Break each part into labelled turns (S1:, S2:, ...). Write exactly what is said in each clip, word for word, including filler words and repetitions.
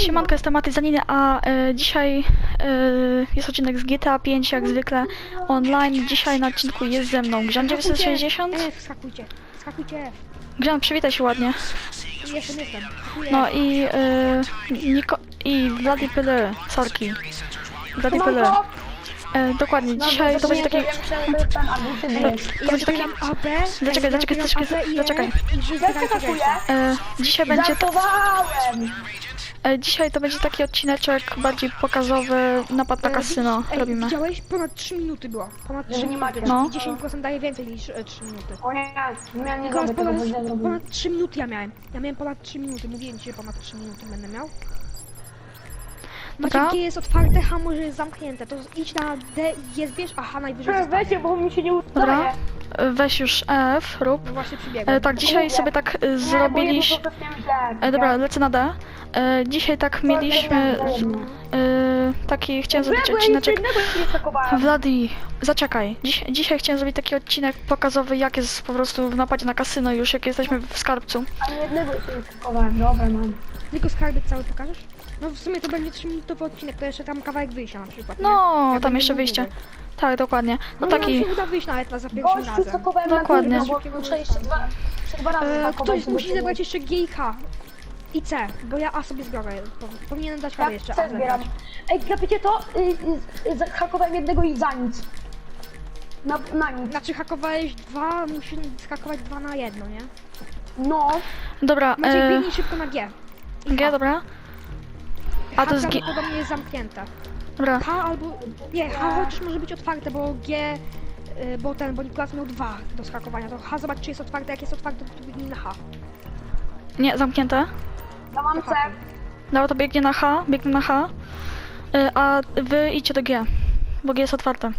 S1: Siemanko, jestem Maty Zaniny, a e, dzisiaj e, jest odcinek z G T A pięć, jak zwykle online. Dzisiaj na odcinku jest ze mną Grzan dziewięćset sześćdziesiąt.
S2: E, skakujcie, skakujcie.
S1: Grzan, przywitaj się ładnie.
S2: Jestem, jestem. Skakuję.
S1: No i e, Niko i Vladi Pyle, sorki. Vladi Pyle. E, dokładnie, dzisiaj to będzie taki... To będzie taki...
S2: A B.
S1: Zaczekaj, zaczekaj, zaczekaj, zaczekaj. E, dzisiaj będzie... To, e, dzisiaj to będzie taki odcineczek bardziej pokazowy, napad na kasyno robimy.
S2: Widziałeś? Ponad trzy minuty było. Ponad trzy minuty.
S1: No.
S2: I dziesięć procent daje więcej niż e, trzy minuty.
S3: O nie, ja nie
S2: Nikolas,
S3: zrobię tego, bo źle
S2: ponad,
S3: zrobię.
S2: ponad trzy minuty ja miałem. Ja miałem ponad trzy minuty. Mówiłem ci, że ponad trzy minuty będę miał.
S1: Dobra.
S2: Macie, G jest otwarte, H może jest zamknięte. To idź na D i je zbierz, a H najwyżej zostanie.
S3: Weźcie, bo mi się nie udaje.
S1: Dobra, e, weź już F, rób.
S2: No właśnie przybiegłem.
S1: E, tak, dzisiaj sobie tak e, zrobiliśmy... E, dobra, lecę na D. E, dzisiaj tak mieliśmy e, taki, chciałem zrobić odcineczek. Vladi, zaczekaj. Dziś, dzisiaj chciałem zrobić taki odcinek pokazowy, jak jest po prostu w napadzie na kasyno już, jak jesteśmy w skarbcu.
S3: A jednego się nie skakowałem, dobra mam.
S2: Tylko skarbiec cały pokażesz? No w sumie to będzie trzyminutowy odcinek, to jeszcze tam kawałek wyjścia na przykład.
S1: No,
S2: nie? Jak
S1: tam
S2: będę
S1: jeszcze
S2: mówił.
S1: wyjście. Tak, dokładnie. No
S2: No
S1: taki...
S2: nam się uda wyjść nawet na za pierwszym
S3: Gościu
S2: razem.
S3: skakowałem
S1: Dokładnie.
S3: na górę, bo muszę jeszcze dwa, jeszcze dwa razy
S2: E,
S3: skakować,
S2: ktoś
S3: żeby
S2: musi
S3: się
S2: zebrać jeszcze G i K. I C, bo ja A sobie zbiorę. Po- Powinienem dać radę
S3: Tak,
S2: jeszcze
S3: C
S2: A
S3: zbieram.
S2: zebrać.
S3: Ej, klepiecie to? Y, y, y, Zahakowałem jednego i za nic. Na, na nic.
S2: Znaczy hakowałeś dwa, musisz hakować dwa na jedno, nie?
S3: No.
S1: Dobra,
S2: Maciek,
S1: e,
S2: biegnij szybko na G. I
S1: G,
S2: H.
S1: dobra. A to
S2: H
S1: jest G...
S2: prawdopodobnie jest zamknięte.
S1: Dobra,
S2: H albo... Nie, H chociaż może być otwarte, bo G... y, Bo ten, bo Nikolas miał dwa do skakowania. To H zobacz czy jest otwarte, jak jest otwarte to biegnij na H.
S1: nie, zamknięte.
S3: Ja mam C.
S1: Dobra, to biegnie na H, biegnie na H. E, a wy idźcie do G, bo G jest otwarte.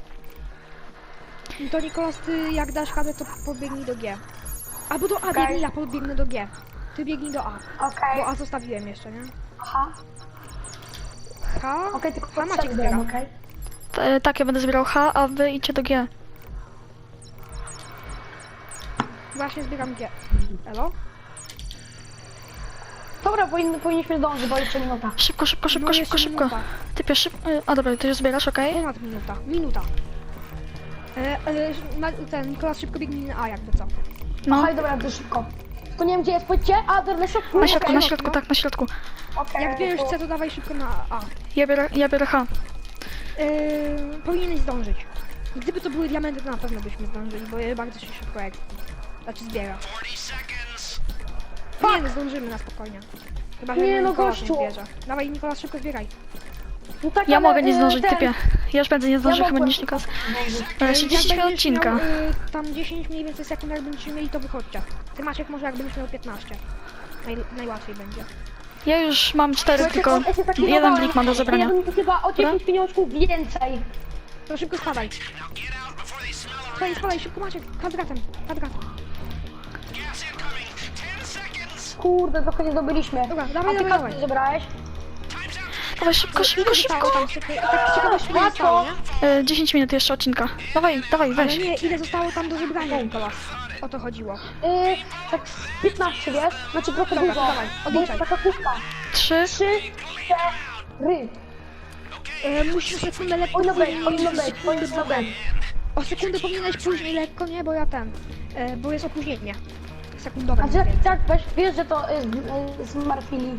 S2: I to Nikolas, ty jak dasz H, to pobiegnij do G. Albo do A,
S3: Okej.
S2: biegnij, ja pobiegnę do G. Ty biegnij do A,
S3: Okej.
S2: bo A zostawiłem jeszcze, nie?
S3: Aha.
S2: H,
S3: Okej, tylko
S2: H
S3: pod
S2: Maciek
S3: C
S2: zbiera.
S3: zbieram, okej?
S1: E, tak, ja będę zbierał H, a wy idźcie do G.
S2: Właśnie zbieram G. Elo?
S3: Dobra, powinni, powinniśmy zdążyć, bo jeszcze minuta.
S1: Szybko, szybko, szybko,
S2: No,
S1: szybko,
S2: jeszcze
S1: szybko.
S2: minuta.
S1: Typie, szybko. A dobra, ty już zbierasz, okej?
S2: Ponad minuta. Minuta. E, e, na, ten Nikolas szybko biegnij na A jakby co.
S1: No,
S3: Okej, dobra, to szybko. To nie wiem gdzie jest, powiedzcie. A, dobra, na środku.
S1: na środku,
S3: okej.
S1: na środku, tak, na środku.
S3: Okej,
S2: Jak bierzesz
S3: to-
S2: C, to dawaj szybko na A.
S1: Ja biorę, ja biorę H.
S2: E, powinieneś zdążyć. Gdyby to były diamenty, to na pewno byśmy zdążyli, bo je bardzo się szybko jak... Znaczy zbiera. Nie, no zdążymy na spokojnie. Chyba, że
S3: Nie, no
S2: Nikolas nie
S3: gościu.
S2: zbierze. Dawaj Nikolas, szybko zbieraj.
S3: No tak,
S1: Ja
S3: ale,
S1: mogę nie
S3: e,
S1: zdążyć,
S3: ten-
S1: typie. Ja już będę nie zdążył chyba
S3: mogłem
S1: niż Nikos.
S3: zdążyć.
S1: Dobra, jeszcze
S2: Jak
S1: dziesięć minut
S2: będziesz
S1: odcinka.
S2: Miał, y, tam dziesięć mniej więcej sekund, jak będziecie mieli, to wychodźcie. Ty Maciek może jak będziesz miał piętnaście. Naj, najłatwiej będzie.
S1: Ja już mam cztery,
S3: Słuchajcie,
S1: tylko
S3: on- ja się taki
S1: jeden
S3: dodałem,
S1: blik mam do zebrania.
S3: Ja bym chyba o dziesięć pieniążków więcej.
S2: To szybko spadaj. Spadaj, spadaj, szybko Maciek, kwadratem, kwadratem.
S3: Kurde, trochę nie zdobyliśmy.
S2: Dobra,
S3: A
S2: dawaj,
S3: ty
S2: dawaj,
S3: kasy
S2: dawaj.
S3: zebrałeś?
S1: Dawaj, szybko, szybko,
S2: Zostało
S1: szybko.
S2: tam, szybko. Tak z ciekawości ile
S3: Łatwo.
S2: zostało, nie?
S1: E, dziesięć minut jeszcze odcinka. Dawaj, dawaj,
S2: Ale
S1: weź.
S2: nie, ile zostało tam do zebrania, Nikolas. O to chodziło.
S3: Yy, tak z piętnaście, wiesz? Znaczy trochę
S2: Dobra,
S3: dużo.
S2: dawaj,
S3: Bo jest
S2: odliczaj.
S3: taka kubka.
S1: Trzy.
S3: Trzy, cztery.
S2: E, musisz o sekundę lekko
S3: Powinno być,
S2: później-
S3: powinno być, powinno być.
S2: O sekundę powinieneś później lekko, nie? Bo ja ten. E, bo jest opóźnienie. Sekundowe.
S3: A
S2: mniej
S3: jak
S2: więcej.
S3: tak, weź, wiesz, że to y, z- y, zmartwili.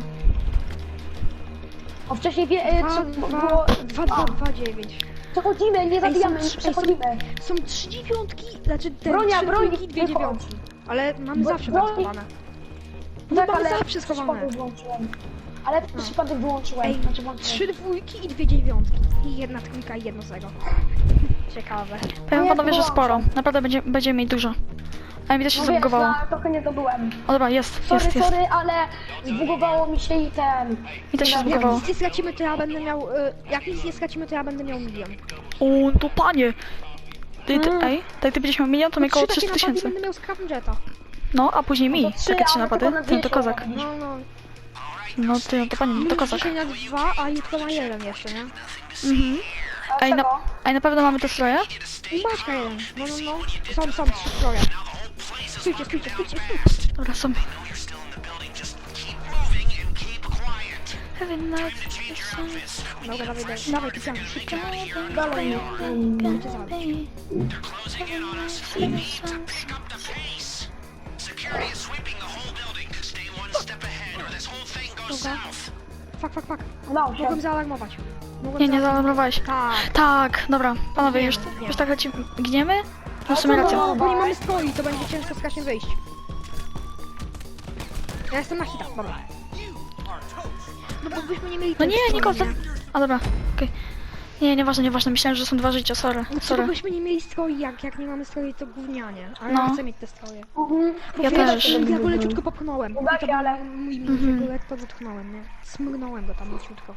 S3: O wcześniej wie, y,
S2: Dwa,
S3: co
S2: dwa,
S3: było...
S2: dwa, dwa, dwa, dziewięć.
S3: Przechodzimy, nie zabijamy,
S2: są
S3: nie
S2: trzy-
S3: przechodzimy.
S2: Są trzy dziewiątki, znaczy te
S3: Bronia,
S2: trzy
S3: broń,
S2: dwójki, dwie
S3: wychodź.
S2: dziewiątki. Ale mamy
S3: Bro-
S2: zawsze tam
S3: broń.
S2: schowane. No
S3: Tak,
S2: mamy
S3: ale
S2: zawsze schowane.
S3: przypadek wyłączyłem. Ale
S2: No.
S3: przypadek wyłączyłem.
S2: Ej,
S3: Znaczy włączyłem.
S2: trzy dwójki i dwie dziewiątki. I jedna trójka i jedno zero. Ciekawe.
S1: Powiem
S3: jak
S1: panowie, że
S3: wyłączam?
S1: sporo. Naprawdę będzie, będziemy mieć dużo. A mi też się
S3: No wiesz,
S1: zabugowało.
S3: ja trochę nie dobyłem.
S1: O dobra, jest,
S3: Sorry,
S1: jest, jest.
S3: sorry, ale zbugowało mi się i ten...
S1: Mi też się
S3: Jak
S2: Jak
S1: zbugowało.
S2: nic nie stracimy, to ja będę miał... Y, jak nic nie stracimy, to ja będę miał milion.
S1: O, to panie. Ty, ty,
S3: Mm.
S1: ej, tak ty będziesz miał milion, to mi
S2: No,
S1: około
S2: trzy takie
S1: trzysta
S2: napady
S1: tysięcy.
S2: będę miał Scavengeta.
S1: No, a później mi.
S3: No to trzy,
S1: Takie trzy
S3: ale
S1: napady.
S3: tylko na
S1: Ten to
S3: dwieście
S1: kozak.
S3: robisz.
S2: No, no.
S1: No ty, no to panie, no to
S2: Mówisz
S1: kozak.
S2: dzisiaj na dwa, a jutro na jeden jeszcze, nie?
S1: Mhm.
S3: A
S1: Ej, na,
S3: czego?
S1: ej, na pewno mamy te stroje?
S2: I Maćka jeden. No, no, no. Są, są, trzy stroje. Stójcie, stójcie, stójcie, stójcie.
S1: Dobra, są. Every night.
S2: Dobra, dawaj, dawaj, dawaj, ty ciągnij, szybko.
S3: Dalej nie.
S2: Będzie zaraz. Dobra. Fuck, fuck, fuck.
S3: Udało się.
S2: Mogłem zaalarmować. Mogłem
S1: Nie, nie
S2: zaalarmować.
S1: zaalarmowałeś.
S2: Tak.
S1: Tak, dobra, panowie,
S2: Nie,
S1: już,
S2: nie.
S1: już tak lecimy. Gniemy? No w sumie
S3: to
S1: racja.
S3: było-
S2: Bo nie mamy stroi, to będzie ciężko strasznie wyjść. Ja jestem na hitach, dobra. No bo byśmy nie mieli
S1: No
S2: tej
S1: nie,
S2: stroi,
S1: Niko, to...
S2: nie?
S1: A dobra, okej. Nie, nieważne, nieważne, myślałem, że są dwa życia, sorry,
S2: No co,
S1: sorry.
S2: byśmy nie mieli stroi, jak, jak nie mamy stroi, to gównianie. Ale
S1: No.
S2: ja chcę mieć te stroje.
S3: Mhm.
S1: Ja
S2: Wiesz,
S1: też.
S2: Ja go leciutko popchnąłem.
S3: Uda
S2: I to
S3: się,
S2: był
S3: ale-
S2: mój minus,
S1: Mhm.
S2: ja go lekko wytchnąłem, nie? Smrnąłem go tam leciutko.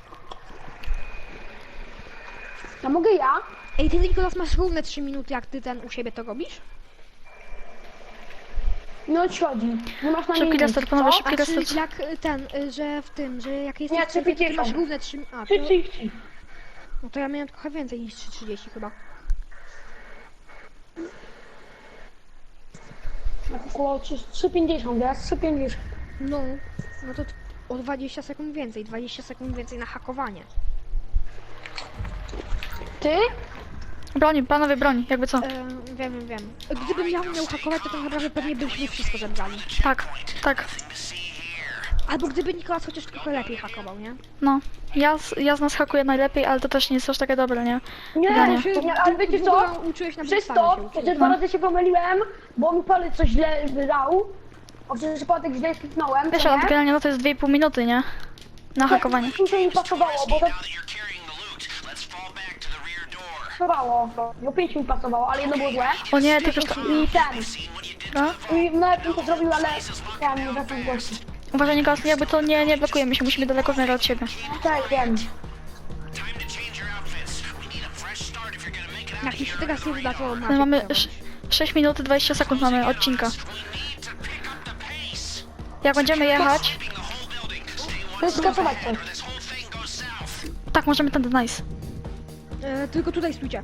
S3: A mogę ja?
S2: Ej, ty Nikolas masz równe trzy minuty, jak ty ten u siebie to robisz?
S3: Nie odchodzi. Nie masz na mnie
S1: Szybki
S3: nic,
S1: restart, panowie,
S3: co?
S1: szybki
S2: A czy
S1: restart.
S2: jak y, ten, y, że w tym, że jak jesteś
S3: Nie,
S2: w strefie, to ty
S3: trzydzieści.
S2: masz równe trzy minuty. A, to,
S3: trzy trzydzieści.
S2: no to ja miałem trochę więcej niż trzy trzydzieści chyba.
S3: Około trzy pięćdziesiąt, jest trzy pięćdziesiąt.
S2: No, no to t- o dwadzieścia sekund więcej, dwadzieścia sekund więcej na hakowanie.
S3: Ty?
S1: Broni, panowie, broni, jakby co.
S2: E, wiem, wiem, wiem. Gdybym ja umiał hakować, to tak naprawdę pewnie byśmy wszystko zebrali.
S1: Tak, tak,
S2: Albo gdyby Nikolas chociaż trochę lepiej hakował, nie?
S1: no. Ja, z- ja z nas hakuję najlepiej, ale to też nie jest aż takie dobre, nie?
S3: Nie,
S1: Ja nie.
S3: nie, nie, ale wiecie co?
S2: Uczyłeś na
S3: Przez
S2: podstawie się
S3: to,
S2: uczyłeś.
S3: że dwa razy się pomyliłem, bo mi palec coś źle wydał. A przez przypadek źle kliknąłem,
S1: Wiesz,
S3: co
S1: ale
S3: nie?
S1: generalnie no to jest dwie i pół minuty, nie? Na hakowanie.
S3: Mi się nie pasowało, bo to pasowało. No pięć mi pasowało, ale jedno było złe.
S1: O nie, ty już to...
S3: I ten.
S1: No?
S3: I nawet bym to zrobił, ale ja nie wracam w gości.
S1: Uważaj, Nikolas, jakby to nie, nie blokujemy się, musimy daleko w miarę od siebie.
S3: Tak, wiem.
S2: Jak mi się teraz nie uda, to
S1: My
S2: Maciek
S1: mamy
S2: to
S1: sz- sześć minut dwadzieścia sekund mamy odcinka. Jak będziemy jechać...
S3: To jest skasować coś.
S1: Tak, możemy ten nice.
S2: E, tylko tutaj stójcie.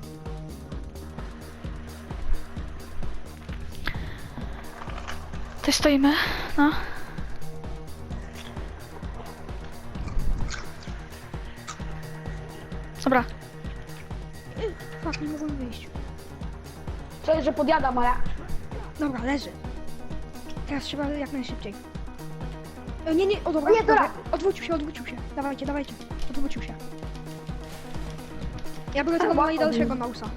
S1: Tutaj stoimy, no. Dobra,
S2: Fuck, nie mogłem wyjść.
S3: Co jest, że podjadam, ale...
S2: Dobra, leży. Teraz trzeba jak najszybciej. E, nie, nie, o dobra,
S3: Nie, dobra.
S2: dobra. Odwrócił się, odwrócił się. Dawajcie, dawajcie. Odwrócił się. Ja biorę tego
S3: łatwo
S2: najdalszego
S3: było.
S2: mausa.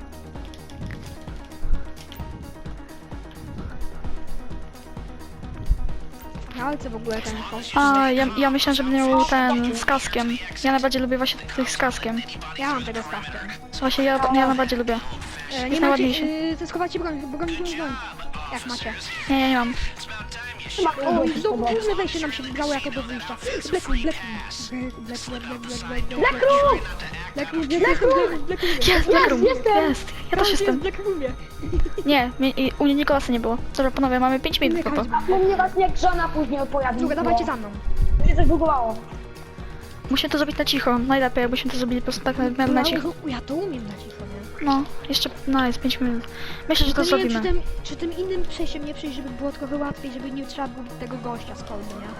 S2: Na walce w ogóle ten host.
S1: a ja, ja myślałem, że będę miał ten z kaskiem. Ja najbardziej lubię właśnie tych z kaskiem.
S2: Ja mam tego z kasztem.
S1: Właśnie ja, ja najbardziej lubię.
S2: E, nie
S1: Jest
S2: macie,
S1: najładniejszy.
S2: yy, to schowajcie broń, bo broń broń, broń. Jak macie.
S1: Nie, ja nie mam.
S2: O, i znowu główne wejście nam się wybrało jako do wyjścia. Black Room, Black Room. Black Room, Black Room, Black Room, Black Room. Black Room, Black Room, Black Room.
S1: Jest, Black Room,
S3: jestem.
S1: jest. Ja też jestem.
S2: Black Roomie.
S1: Nie, mnie, i u mnie Nikolasa nie było. Dobra, panowie, mamy pięć minut tylko.
S3: Bo mnie właśnie jak żona później odpowiada.
S2: Druga, dawajcie za mną.
S3: To się coś bugowało.
S1: Musimy to zrobić na cicho. Najlepiej, jakbyśmy to zrobili po prostu tak na, na, na cicho.
S2: Ja to umiem na cicho, nie?
S1: No, jeszcze, no jest pięć minut. Myślę, że to
S2: Tylko nie wiem, czy
S1: zrobimy.
S2: tym, czy tym innym przejściem nie przejść, żeby było trochę łatwiej, żeby nie trzeba było tego gościa z kolby, nie?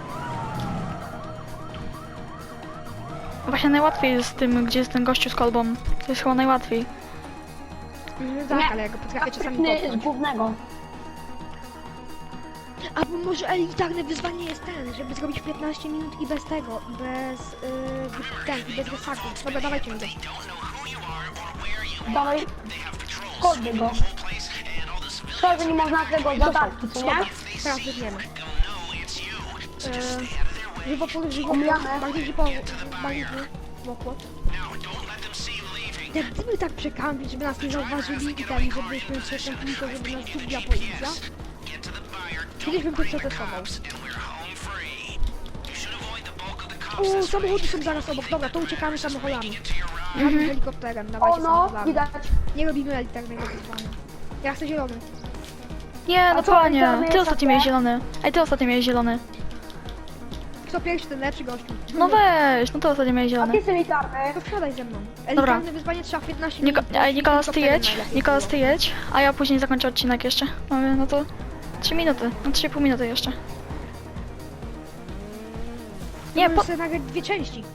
S1: Właśnie najłatwiej jest z tym, gdzie jest ten gościu z kolbą. To jest chyba najłatwiej.
S2: Mm, tak,
S3: Nie.
S2: ale ja go potrafię czasami
S3: Sprytny z
S2: popchnąć.
S3: głównego.
S2: Albo może elitarne wyzwanie jest ten, żeby zrobić piętnaście minut i bez tego, i bez, yy, ten, i bez resaku. Dobra, dawajcie mi go.
S3: Dawaj. Kodby go. Szkoda, że nie można tego zadarki, co nie?
S2: Teraz biegniemy. Yy, żywopłot, żywopłot,
S3: Omijamy.
S2: bardziej żywopłot, bardziej żywopłot. Jak gdyby tak przekampić, żeby nas nie zauważyli i ten, żebyśmy przekąpili to, żeby nas szybła policja. Kiedyś bym to przetestował. O, samochody są zaraz obok. Dobra, to uciekamy samochodami. Mhm. Helikopterem,
S3: O
S2: dawajcie
S3: no,
S2: samochodami.
S3: widać.
S2: Nie robimy elitarnego wyzwania. Ja chcę zielony.
S1: Nie,
S3: A
S1: no
S3: co,
S1: panie,
S3: elitarny
S1: ty
S3: jest
S1: ostatnio
S3: takie?
S1: miałeś zielony. Ej, ty ostatnio miałeś zielony.
S2: Kto pierwszy, ten lepszy gościu.
S1: No weź, no ty ostatnio miałeś
S3: A
S1: zielony.
S3: ty jest elitarny.
S2: To wsiadaj ze mną. Elitarne wyzwanie trzeba w piętnaście
S1: Niko,
S2: minut.
S1: ej, Nikolas, ty
S2: Helikopterem
S1: jedź,
S2: najlepiej
S1: Nikolas, ty
S2: było.
S1: jedź, a ja później zakończę odcinek jeszcze. Mamy, no to trzy minuty, no trzy i pół minuty jeszcze. Nie,
S2: Możesz
S1: po...
S2: sobie nagrać dwie części.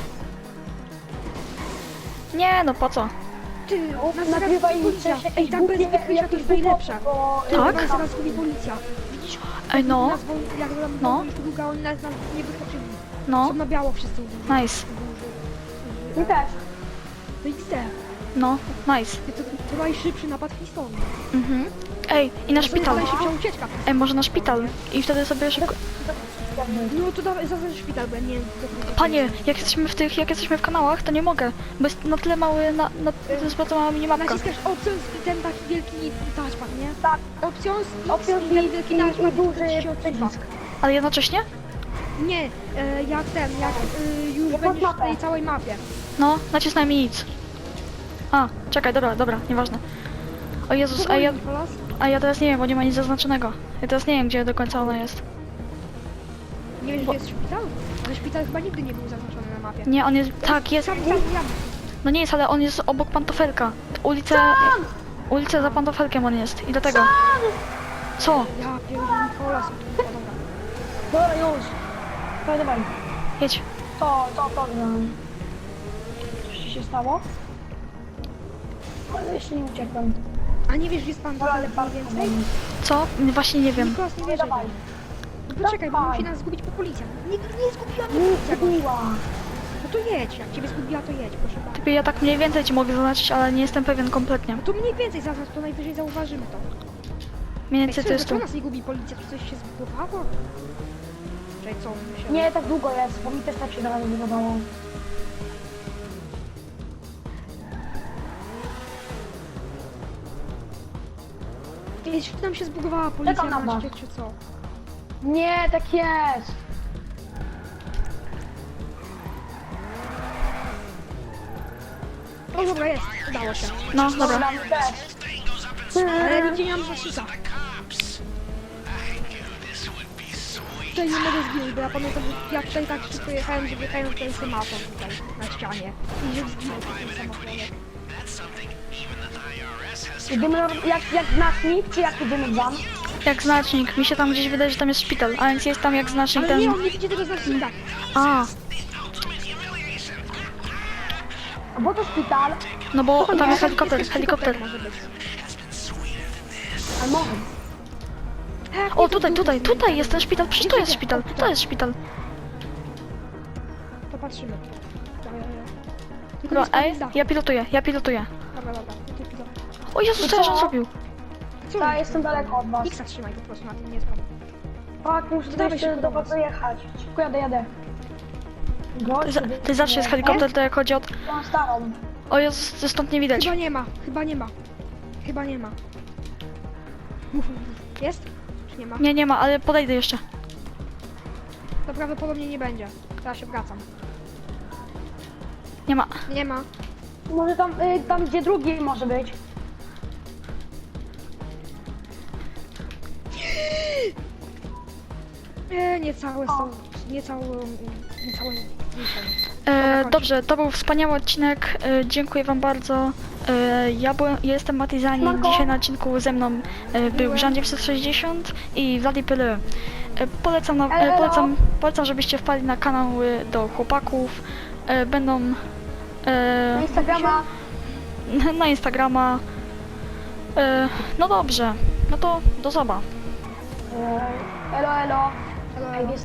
S1: Nie, no po co?
S2: Ty, nas zaraz
S3: Nagrywaj
S2: zgubi policja.
S3: coś,
S2: Ej, tak bez
S3: głupie,
S2: wykrycia to
S3: jakieś
S2: jest najlepsze.
S3: bo-
S2: Ty,
S1: Tak?
S2: nas zaraz zgubi policja. Widzisz?
S1: Ej, no,
S2: Nas, wo- jak nam
S1: No.
S2: no. długa, oni nas, nas nie wykroczyli.
S1: no,
S2: Są na biało wszyscy.
S1: nice,
S3: Mi też.
S2: To X D.
S1: no, nice.
S2: To, to, to najszybszy napad w historii.
S1: Mhm. Ej, i na
S2: To
S1: szpital.
S2: jest najszybsza ucieczka.
S1: Ej, może na szpital. I wtedy sobie szybko...
S2: No to dawaj, zaznacz szpital, bo ja nie wiem. co to-
S1: Panie, jak jesteśmy w tych, jak jesteśmy w kanałach, to nie mogę, bo jest na tyle mały, na, na, to jest bardzo mała minimapka.
S2: Naciskasz opcją i ten taki wielki touchpad, nie?
S3: Tak.
S2: Opcją z
S3: Opcją
S2: i ten wielki
S3: i,
S2: touchpad
S3: i duży
S2: to ci się odsuwa.
S3: przycisk.
S1: Ale jednocześnie?
S2: Nie, e, jak ten, jak e, już
S3: Jak
S2: będziesz
S3: mapę.
S2: w tej całej mapie.
S1: No, nacisnąłem i nic. A, czekaj, dobra, dobra, nieważne. O Jezus, a ja,
S2: Nicolas?
S1: a ja teraz nie wiem, bo nie ma nic zaznaczonego. Ja teraz nie wiem, gdzie do końca ona jest.
S2: Nie wiesz, gdzie jest szpital? Ale szpital chyba nigdy nie był zaznaczony na mapie.
S1: Nie, on jest, tak, jest,
S2: Sam, sam, ja.
S1: no nie jest, ale on jest obok pantofelka. Ulicę, ulicę za pantofelkiem on jest i dlatego. Co?
S2: Ja pierdolę, Nicolas. O, dobra.
S3: Dobra, już. Dawaj, dawaj.
S1: Jedź.
S3: To, to, to. no. Coś ci się stało? Ale jeszcze nie uciekłem.
S2: A nie wiesz, gdzie jest pan
S3: Ale
S2: Dalek
S3: bardzo
S2: mniej więcej?
S1: Co? Właśnie nie wiem.
S2: Nikolas nie wierzy.
S3: Dawaj.
S2: No poczekaj, bo
S3: Dawaj.
S2: musi nas zgubić po policja. Nie, nie zgubiła mnie
S3: Nie
S2: policja.
S3: zgubiła.
S2: No to jedź, jak ciebie zgubiła, to jedź, proszę bardzo.
S1: Typie, ja tak mniej więcej ci mogę zaznaczyć, ale nie jestem pewien kompletnie.
S2: No to mniej więcej zaznacz, to najwyżej zauważymy to.
S1: Mniej
S2: Ej,
S1: więcej to
S2: co,
S1: jest tu.
S2: dlaczego nas nie gubi policja? Czy coś się zbudowało? Czekaj, co? My się...
S3: Nie, tak długo jest, bo mi też tak się zaraz wydawało.
S2: Kiedyś nam się zbudowała policja
S3: Czekam na
S2: na
S3: was.
S2: szczyt, czy co?
S3: Nie, tak jest.
S2: O dobra, jest, udało się.
S1: No, dobra.
S3: Dobra, mi też.
S2: Ale nigdzie nie mam zaczyta. Tutaj nie mogę zginąć, bo ja pamiętam, że ja tutaj tak szybko jechałem, że wjechałem w ten semafor tutaj na ścianie. I że zginął ten samochodek.
S3: Idziemy, jak, jak znacznik, czy jak idziemy tam?
S1: Jak znacznik. Mi się tam gdzieś wydaje, że tam jest szpital, a więc jest tam jak znacznik
S2: Ale nie,
S1: ten...
S2: on nie widzi tego znacznika.
S1: A,
S3: Bo to szpital,
S1: no bo tam jest
S2: Nie,
S1: helikopter, helikopter.
S2: może być.
S3: ale może.
S2: Tak,
S1: O,
S2: nie,
S1: tutaj,
S2: to
S1: tutaj,
S2: był-
S1: tutaj jest ten szpital, przecież to jest szpital, to jest szpital.
S2: To patrzymy. Dobra, dobra. Tylko
S1: Dobra,
S2: nie
S1: ej,
S2: spadnij z dachu.
S1: ja pilotuję, ja pilotuję.
S2: Dobra, dobra. Ty pilot.
S1: O Jezus, co on zrobił?
S2: Co?
S3: Ja jestem daleko od was.
S2: Xa trzymaj po prostu, na tym nie spadł.
S3: Tak, muszę
S2: Dawaj
S3: jeszcze
S2: szybko
S3: do
S2: do
S3: was
S2: was.
S3: dojechać. Szybko jadę, jadę.
S1: To, za, to zawsze jest helikopter, to jak chodzi o...
S3: Mam starą.
S1: O Jezus, to stąd nie widać.
S2: Chyba nie ma, chyba nie ma. Chyba nie ma. Mów, mów, mów. Jest? Czy nie ma?
S1: Nie, nie ma, ale podejdę jeszcze.
S2: To prawdopodobnie nie będzie. Teraz się wracam.
S1: Nie ma.
S2: Nie ma.
S3: Może tam, y, tam gdzie drugi może być.
S2: Nie, nie całe są. Nie całe. Nie całe.
S1: E, dobrze, to był wspaniały odcinek. E, dziękuję wam bardzo. E, ja, byłem, ja jestem Matizani.
S3: Siemanko.
S1: Dzisiaj na odcinku ze mną e, był Żan dziewięćset sześćdziesiąt i Vladi Pyly. E, polecam, na, e,
S3: Elo.
S1: polecam, polecam, żebyście wpadli na kanały do chłopaków. E, będą e,
S3: Na Instagrama.
S1: na Instagrama. E, no dobrze, no to do zoba.
S3: Y, Elo, elo.
S2: Ale...
S3: Jak jest